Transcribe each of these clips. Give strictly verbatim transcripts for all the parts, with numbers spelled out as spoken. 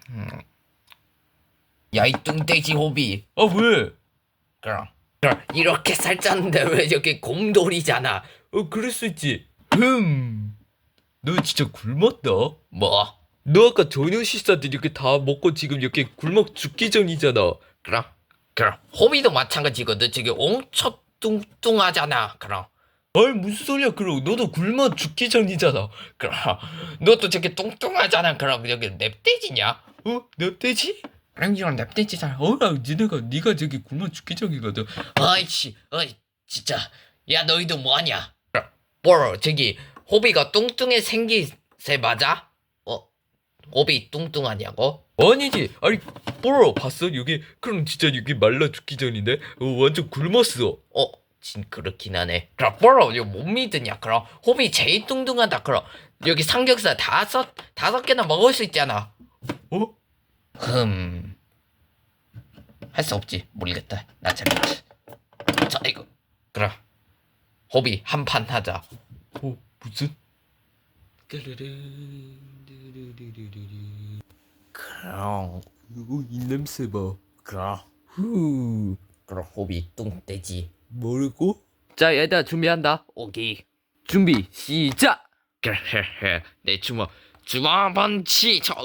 음. 야, 이 뚱돼지 호비. 어, 왜? 그럼, 그럼 이렇게 살쪘는데 왜 이렇게 곰돌이잖아. 어, 그럴 수 있지. 흠, 너 진짜 굶었다. 뭐? 너 아까 저녁 식사들 이렇게 다 먹고 지금 이렇게 굶어 죽기 전이잖아. 그럼, 그럼 호비도 마찬가지거든. 지금 엄청 뚱뚱하잖아. 그럼. 아이, 무슨 소리야. 그럼 너도 굶어 죽기 전이잖아. 그럼 너도 저렇게 뚱뚱하잖아. 그럼 여기 냅돼지냐? 어? 냅돼지? 랑이랑 냅돼지잖아. 어라, 니네가 니가 저기 굶어 죽기 전이거든. 아이씨, 어이, 진짜. 야, 너희도 뭐하냐? 뭐 저기 호비가 뚱뚱해 생기세 맞아? 어? 호비 뚱뚱하냐고? 아니지. 아니, 뽀로 봤어? 여기 그럼 진짜 여기 말라 죽기 전인데 어, 완전 굶었어. 어? 진 그렇긴 하네. 그럼 뽀로 이거 못 믿으냐? 그럼 호비 제일 뚱뚱하다. 그럼 여기 삼겹살 다섯 다섯 개나 먹을 수 있잖아. 어? 흠. 할 수 없지. 모르겠다. 나 잘했지. 자, 이거. 그럼 호비 한 판 하자. 어, 무슨? 그럼 이거 입냄새 봐. 그럼 후. 그럼 호비 뚱돼지 모르고? 자, 얘들아 준비한다. 오케이. 준비 시작. 그헤헤 내 주먹 주먹 번치 저.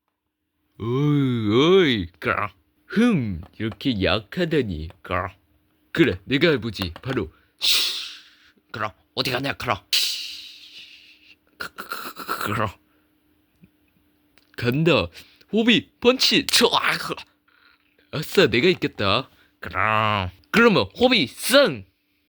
어이 어이 그럼 흠 이렇게 약하다니. 그럼 그래 내가 해보지. 바로 쉬. 그럼 어디 가냐 그럼. 그, 그, 그, 그, 그럼 간다. 호비 펀치 쳐. 아, 그. 아싸 내가 있겠다. 그럼 그러면 호비 승.